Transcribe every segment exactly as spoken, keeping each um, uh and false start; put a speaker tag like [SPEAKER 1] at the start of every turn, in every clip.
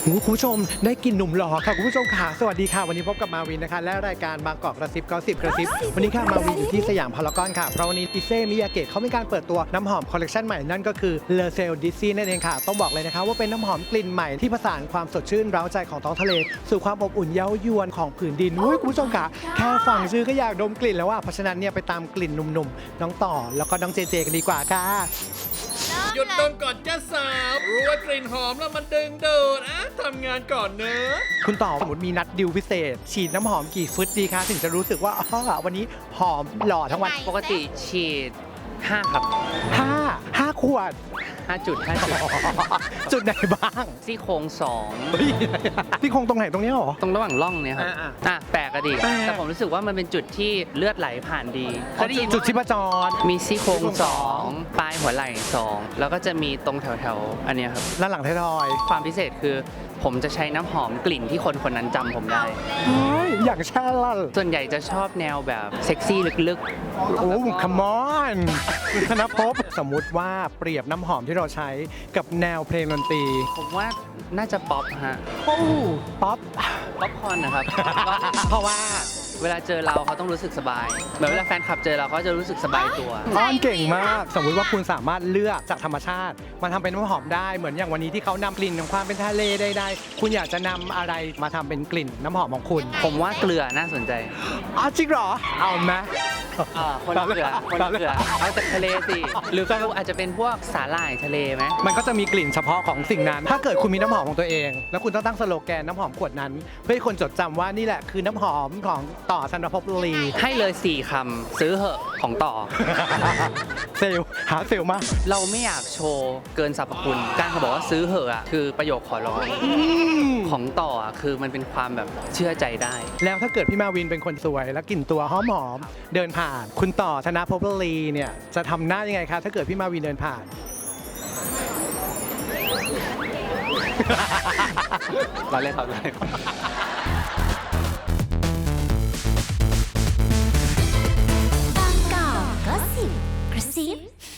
[SPEAKER 1] คุณผู้ชมได้กลิ่นหนุ่มหล่อค่ะคุณผู้ชมค่ะสวัสดีค่ะวันนี้พบกับมาวินนะคะและรายการบางกอกกระซิบก็สิบกระซิบวันนี้ค่ะมาวินอยู่ที่สยามพารากอนค่ะเพราะวันนี้อิเซ่มิยาเกะเขามีการเปิดตัวน้ำหอมคอลเลคชันใหม่นั่นก็คือเลเซลดิซี่นั่นเองค่ะต้องบอกเลยนะคะว่าเป็นน้ำหอมกลิ่นใหม่ที่ผสานความสดชื่นเร้าใจของท้องทะเลสู่ความอบอุ่นเย้ายวนของผืนดินอุ้ยคุณผู้ชมค่ะแค่ฟังชื่อก็อยากดมกลิ่นแล้วว่าเพราะฉะนั้นเนี่ยไปตามกลิ่นหนุ่มๆน้องต่อแล้วก็น้องเจเจกันดีกว่าค่ะ
[SPEAKER 2] หยุดดมก่อนจ้าสาวรู้ว่ากลิ่นหอมแล้วมันดึงดูดอ่ะทำงานก่อนเนอะ
[SPEAKER 1] คุณต่อสมมติมีนัดดิวพิเศษฉีดน้ำหอมกี่ฟึตดีคะถึงจะรู้สึกว่าอ๋อวันนี้หอมหล่อทั้งวัน
[SPEAKER 3] ปกติฉีดห้าครับ
[SPEAKER 1] ห้าห้าขวด
[SPEAKER 3] ห้าจุดห้าจุด
[SPEAKER 1] จุดไหนบ้าง
[SPEAKER 3] ซี่โครงสอง
[SPEAKER 1] ที่คงตรงไหนตรงนี้หรอ
[SPEAKER 3] ตรงระหว่างร่องเนี่ยครับ
[SPEAKER 1] อ่า
[SPEAKER 3] อ่ะแปลกอะดี
[SPEAKER 1] แปลก
[SPEAKER 3] แต่ผมรู้สึกว่ามันเป็นจุดที่เลือดไหลผ่านดีเคยได้ยิน
[SPEAKER 1] จุดชีพจร
[SPEAKER 3] มีซี่โครงสองปลายหัวไหล่สองแล้วก็จะมีตรงแถวๆอันเนี้ยครับ
[SPEAKER 1] ด้านหลังไทยทอย
[SPEAKER 3] ความพิเศษคือผมจะใช้น้ำหอมกลิ่นที่คนคนนั้นจำผมได้
[SPEAKER 1] เฮ้ยอย่างชาลัล
[SPEAKER 3] ส่วนใหญ่จะชอบแนวแบบเซ็กซี่ลึก
[SPEAKER 1] โอ้คัมอนคุณธนภพสมมุติว่าเปรียบน้ำหอมที่เราใช้กับแนวเพลงดนตรี
[SPEAKER 3] ๆ ผมว่าน่าจะป๊อปฮะ
[SPEAKER 1] โอ้ป๊อป
[SPEAKER 3] ป๊อปคอร์นนะครับ
[SPEAKER 1] เพราะว่า
[SPEAKER 3] เวลาเจอเราเขาต้องรู้สึกสบายเหมือนเวลาแฟนคลับเจอเราเขาจะรู้สึกสบายตัว
[SPEAKER 1] อ้อนเก่งมาก สมมุติว่าคุณสามารถเลือกจากธรรมชาติมาทำเป็นน้ำหอมได้เหมือนอย่างวันนี้ที่เขานำกลิ่นของความเป็นทะเลได้ๆคุณอยากจะนำอะไรมาทำเป็นกลิ่นน้ำหอมของคุณ
[SPEAKER 3] ผมว่าเกลือน่าสนใจ
[SPEAKER 1] อ๋อจริงเหรอเอาไหม
[SPEAKER 3] อ่าคนละเกลือคนละเกลือเอาจากทะเลสิหรือก็อาจจะเป็นพวกสาหร่ายทะเลไหม
[SPEAKER 1] มันก็จะมีกลิ่นเฉพาะของสิ่งนั้น ถ้าเกิดคุณมีน้ำหอมของตัวเอง แล้วคุณต้องตั้งสโลแกนน้ำหอมขวดนั้น เพื่อให้คนจดจำว่านี่แหละคือน้ำหอมของต่อธนภพลี
[SPEAKER 3] ให้เลยสี่คำซื้อเหอะของต่อ
[SPEAKER 1] เซลลหาเซลลมาก
[SPEAKER 3] เราไม่อยากโชว์เกินสรรพคุณ การเขาบอกว่าซื้อเหอะอะคือประโยคขอร้องของต่ออะคือมันเป็นความแบบเชื่อใจได้
[SPEAKER 1] แล้วถ้าเกิดพี่มาวินเป็นคนสวย แล้วกลิ่นตัวหอมหอมๆเดินผ่าน คุณต่อธนภพลีเนี่ยจะทำหน้ายังไงคะถ้าเกิดพี่มาวินเดินผ่าน
[SPEAKER 3] เราเล่นครับเลย
[SPEAKER 4] บางกอกก็สิบกระซิ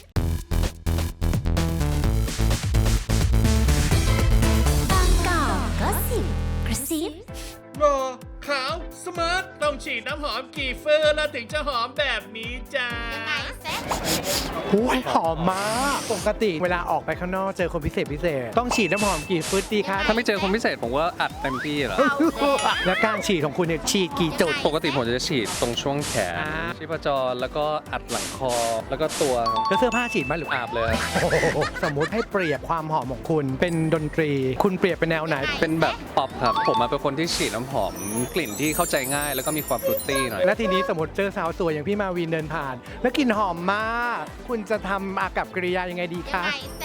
[SPEAKER 4] บางกอกก็สิบกระซิบ
[SPEAKER 2] รอขาวสมาร์ทต้องฉีดน้ำหอมกี่เฟอร์แล้วถึงจะหอมแบบนี้จ้า
[SPEAKER 1] โอ้ยหอมมากปกติเวลาออกไปข้างนอกเจอคนพิเศษพิเศษ ต้องฉีดน้ำหอมกี่ฟึตดีคะ
[SPEAKER 5] ถ้าไม่เจอคนพิเศษผมก็อัดเต็มที่แหละ
[SPEAKER 1] แล้วการฉีดของคุณเนี่ยฉีดกี่จุด
[SPEAKER 5] ปกติผมจะฉีดตรงช่วงแขน
[SPEAKER 1] อ่า
[SPEAKER 5] ชีพจรแล้วก็อัดหลังคอ แล้วก็ตัวครับ
[SPEAKER 1] แล้วเสื้อผ้าฉีดไหมหรือ
[SPEAKER 5] อาบเลยครับ
[SPEAKER 1] โอ้โหสมมุติให้เปรียบความหอมของคุณเป็นดนตรี คุณเปรียบเป็นแนวไหน
[SPEAKER 5] เป็นแบบป๊อปครับ ผมมาเป็นคนที่ฉีดน้ำหอมกลิ่นที่เข้าใจง่ายแล้วก็มีความฟรุตตี้หน่อย
[SPEAKER 1] และทีนี้สมมติเจอสาวสวยอย่างพี่มาวินเดินผ่าน แล้วกลิ่นหอมมาก คุณจะทำอากับกิริยายังไงดีคะ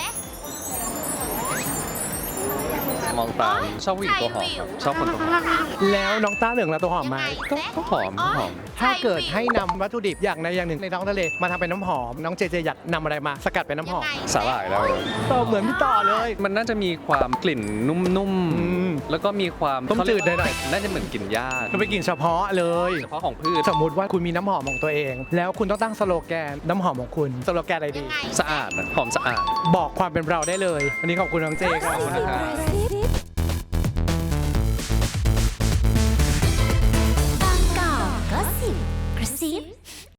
[SPEAKER 5] มองตามชอบผู้หญิงตัวหอมครับชอบคนตัวหอม
[SPEAKER 1] แล้วน้องต้าเหลืองละตัวหอมไหม
[SPEAKER 5] ก็ก็หอมก็หอม
[SPEAKER 1] ถ้าเกิดให้นำวัตถุดิบอย่างใดอย่างหนึ่งในท้องทะเลมาทำเป็นน้ำหอม น้องเจเจอยากนำอะไรมาสกัดเป็นน้ำหอม
[SPEAKER 5] สาหร่ายแล้ว
[SPEAKER 1] ต่อเหมือนพี่ต่อเลย
[SPEAKER 5] มันน่าจะมีความกลิ่นนุ่ม
[SPEAKER 1] อืม
[SPEAKER 5] ๆ แล้วก็มีความ
[SPEAKER 1] ต้มจืดหน่อย
[SPEAKER 5] น่าจะเหมือนกลิ่นหญ้า
[SPEAKER 1] ก็ไปนกลิ่นเฉพาะเลย
[SPEAKER 5] เฉพาะของพืช
[SPEAKER 1] สมมุติว่าคุณมีน้ำหอมของตัวเอง แล้วคุณต้องตั้งสโลแกนน้ำหอมของคุณสโลแกนอะไรดี
[SPEAKER 5] สะอาดนะหอมสะอาด
[SPEAKER 1] บอกความเป็นเราได้เลยวันนี้ขอบคุณน้องเจครับ
[SPEAKER 5] ขอบคุณนะครับ